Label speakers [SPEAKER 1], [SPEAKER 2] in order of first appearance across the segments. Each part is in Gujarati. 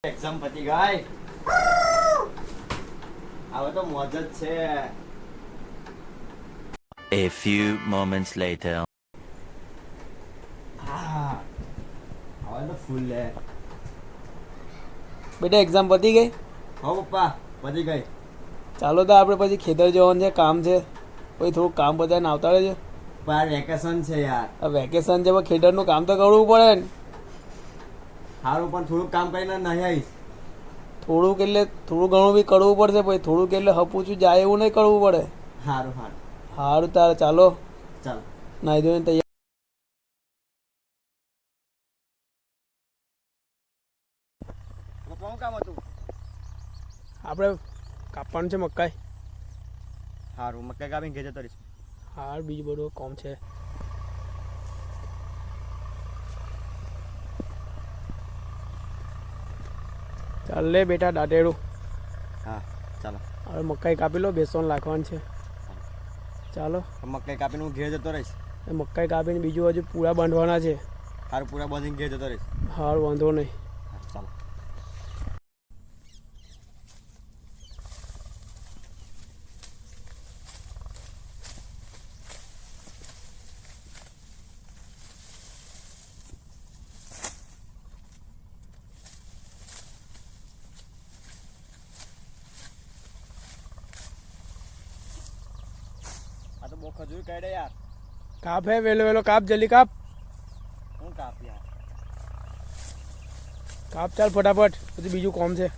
[SPEAKER 1] એક્ઝામ પતી ગઈ. હવે તો મોજ જ છે.
[SPEAKER 2] A few moments later.
[SPEAKER 1] હવે તો ફૂલ લે.
[SPEAKER 3] બેટા એક્ઝામ પતી ગઈ?
[SPEAKER 1] હો પપ્પા પતી ગઈ.
[SPEAKER 3] ચાલો તો આપણે પછી ખેતર જવાનું છે, કામ છે. પછી થોડુંક કામ બધાને આવતા રહેજો.
[SPEAKER 1] પણ વેકેશન છે યાર.
[SPEAKER 3] આ વેકેશન છે પણ ખેતરનું કામ તો કરવું પડે ને.
[SPEAKER 1] સારું પણ થોડુંક કામ કરીને નહીં આવીશ.
[SPEAKER 3] થોડુંક એટલે થોડું ઘણું બી કરવું પડશે. પછી થોડુંક એટલે હપુચું જાય એવું નહીં કરવું પડે.
[SPEAKER 1] સારું સારું
[SPEAKER 3] સારું તારે ચાલો
[SPEAKER 1] ચાલ.
[SPEAKER 3] નાહી ધોઈને તૈયાર.
[SPEAKER 1] કોણ કામ હતું?
[SPEAKER 3] આપણે કાપવાનું છે મકાઈ.
[SPEAKER 1] સારું મકાઈ કાપીને ઘેર જતો રહીશ.
[SPEAKER 3] હાર બીજું બધું કામ છે. ચાલ લે બેટા દાંતેડું.
[SPEAKER 1] હા ચાલો.
[SPEAKER 3] હવે મકાઈ કાપી લો, બેસન નાખવાનું છે. ચાલો
[SPEAKER 1] મકાઈ કાપીને હું ઘેર જતો રહીશ.
[SPEAKER 3] એ મકાઈ કાપીને બીજું હજુ પૂરા બાંધવાના છે.
[SPEAKER 1] સારું પૂરા બાંધીને ઘેર જતો રહીશ.
[SPEAKER 3] હાર વાંધો નહીં.
[SPEAKER 1] ચાલો. આ તો બહુ ખજૂર કાઢે યાર.
[SPEAKER 3] કાપ હે વેલો વેલો કાપ, જલ્દી કાપ.
[SPEAKER 1] હું કાપ યાર.
[SPEAKER 3] કાપ ચાલ ફટાફટ, પછી બીજું કામ છે.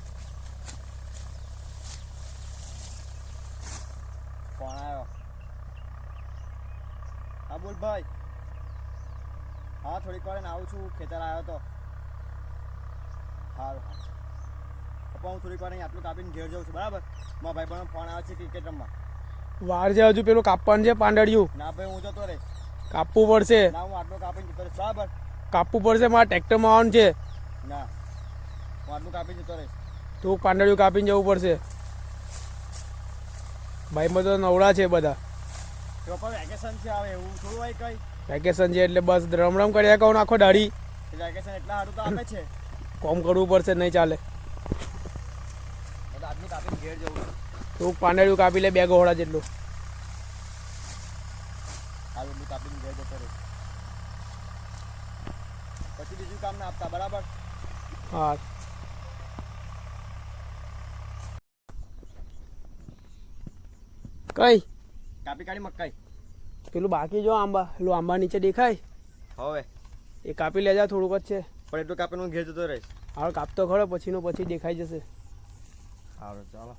[SPEAKER 1] કોણ આવ્યો? હા બોલ ભાઈ. હા થોડીક વાર આવું છું, ખેતર આવ્યો તો. સારું હા પપ્પા હું થોડીક વાર અહીં આટલું કાપીને ઘેર જાઉં છું, બરાબર? મારા ભાઈ બહેનો ફોન આવે છે ક્રિકેટ રમવા.
[SPEAKER 3] વાર છે હજુ, પેલું કાપવાનું છે પાંદડિયું.
[SPEAKER 1] ના ભાઈ હું જતો રહીશ.
[SPEAKER 3] કાપવું પડશે.
[SPEAKER 1] ના હું આટલું કાપીને જતો રહીશ, બરાબર?
[SPEAKER 3] કાપવું પડશે, મારા ટ્રેક્ટરમાં આવવાનું છે.
[SPEAKER 1] ના હું આટલું કાપીને જતો રહીશ.
[SPEAKER 3] તું પાંદડિયું કાપીને જવું પડશે. ભાઈમાં તો નવડા છે બધા.
[SPEAKER 1] તો પણ વેકેશન છે, હવે એવું થોડું હોય કંઈ.
[SPEAKER 3] વેકેશન છે એટલે બસ રમ રમ કર્યા કહું આખો દાઢી.
[SPEAKER 1] વેકેશન એટલા સારું તો આપે છે.
[SPEAKER 3] કોમ કરવું પડશે, નહીં ચાલે.
[SPEAKER 1] એટલે આટલું કાપીને ઘેર જવું છું.
[SPEAKER 3] તું પાંદડિયું કાપી લે 2 ગોળા જેટલું.
[SPEAKER 1] સારું એટલું કાપીને ઘેર જતો રહીશ. પછી બીજું કામ ના આપતા, બરાબર?
[SPEAKER 3] હા કઈ
[SPEAKER 1] કાપી કાઢી મકાઈ.
[SPEAKER 3] પેલું બાકી જો આંબા, પેલું આંબા નીચે દેખાય
[SPEAKER 1] હવે
[SPEAKER 3] એ કાપી લેજા, થોડુંક જ છે.
[SPEAKER 1] પણ એટલું કાપીને હું ઘેર જતો રહીશ.
[SPEAKER 3] હાલ કાપતો ખરો, પછીનું પછી દેખાઈ જશે.
[SPEAKER 1] સારું ચાલો.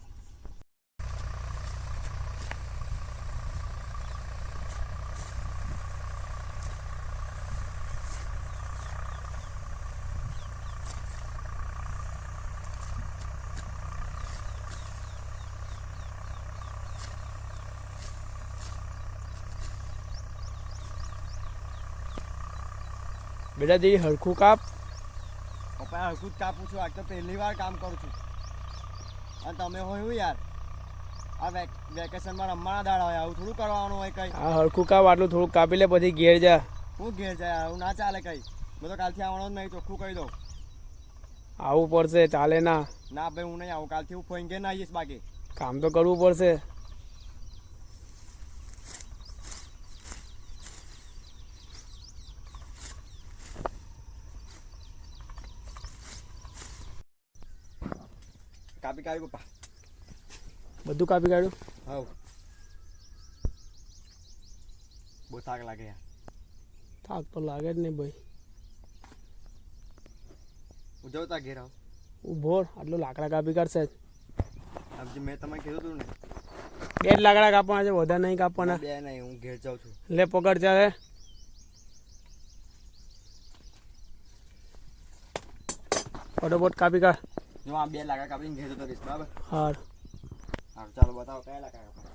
[SPEAKER 3] બેટા જઈ હરખું કાપ.
[SPEAKER 1] પપ્પા હરખું જ કાપું છું, આજ તો પહેલી વાર કામ કરું છું. અને તમે હોય હું યાર, આ વેકેશનમાં રમવાના દાડા હોય, આવું થોડું કરવાનું હોય કંઈ.
[SPEAKER 3] આ હરખું કાપ, આટલું થોડુંક કાપી લે, પછી ઘેર જા.
[SPEAKER 1] હું ઘેર જાય, આવું ના ચાલે કંઈ. મેં તો કાલથી આવવાનો જ નહીં, ચોખ્ખું કહી દઉં.
[SPEAKER 3] આવવું પડશે, ચાલે ના.
[SPEAKER 1] ના ભાઈ હું નહીં આવું, કાલથી હું ફોઈન ઘેર ના આવીશ. બાકી
[SPEAKER 3] કામ તો કરવું પડશે.
[SPEAKER 1] કાપી કાઢી પપ્પા.
[SPEAKER 3] બધું કાપી કાઢ્યું.
[SPEAKER 1] હા બહુ થાક લાગે યાર.
[SPEAKER 3] થાક તો લાગે જ નહીં ભાઈ.
[SPEAKER 1] હું જાઉં તા ઘેર આવું.
[SPEAKER 3] ઊભો આટલું લાકડા કાપી કાઢશે.
[SPEAKER 1] આમ મેં તમને કીધું હતું ને,
[SPEAKER 3] 2 જ લાકડા કાપવાના છે, વધારે નહીં કાપવાના.
[SPEAKER 1] બે નહીં, હું ઘેર જાઉં છું.
[SPEAKER 3] લે પકડ ચાલે. ફટોફટ કાપી કાઢ.
[SPEAKER 1] જો આ 2 લાકડા કાપીને ઘેર જતો રહીશ, બરાબર?
[SPEAKER 3] હાર
[SPEAKER 1] સારું ચાલો બતાવો કયા લાકડા કાપવાના.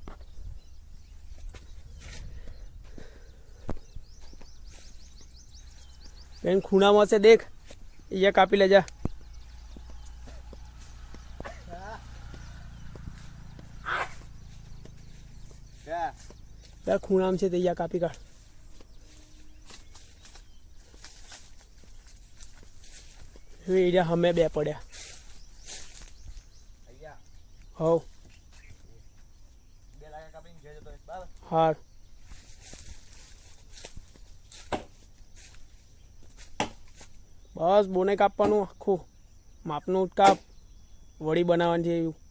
[SPEAKER 3] બેન ખૂણામાં છે દેખ, અહીંયા કાપી લેજા. યાર ખૂણામાં છે તે અહીંયા કાપી કાઢ. એરિયા અમે બે પડ્યા હવ
[SPEAKER 1] બે લાગે કાપીને ઘેર જતો રહીશ, બરાબર?
[SPEAKER 3] હાર બસ બોને કાપવાનું આખું માપનું કાપ વડી બનાવવાની છે એવું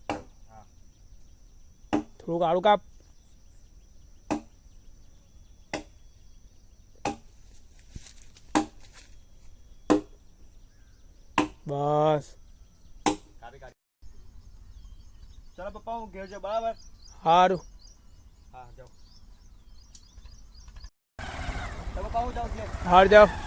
[SPEAKER 3] થોડુંક આડું કાપ બસ
[SPEAKER 1] ચાલો પપ્પા હું ઘેર જાઉં, બરાબર?
[SPEAKER 3] સારું
[SPEAKER 1] હા જાઉં. તો પપ્પા હું જાઉં છું.
[SPEAKER 3] હાર જાઓ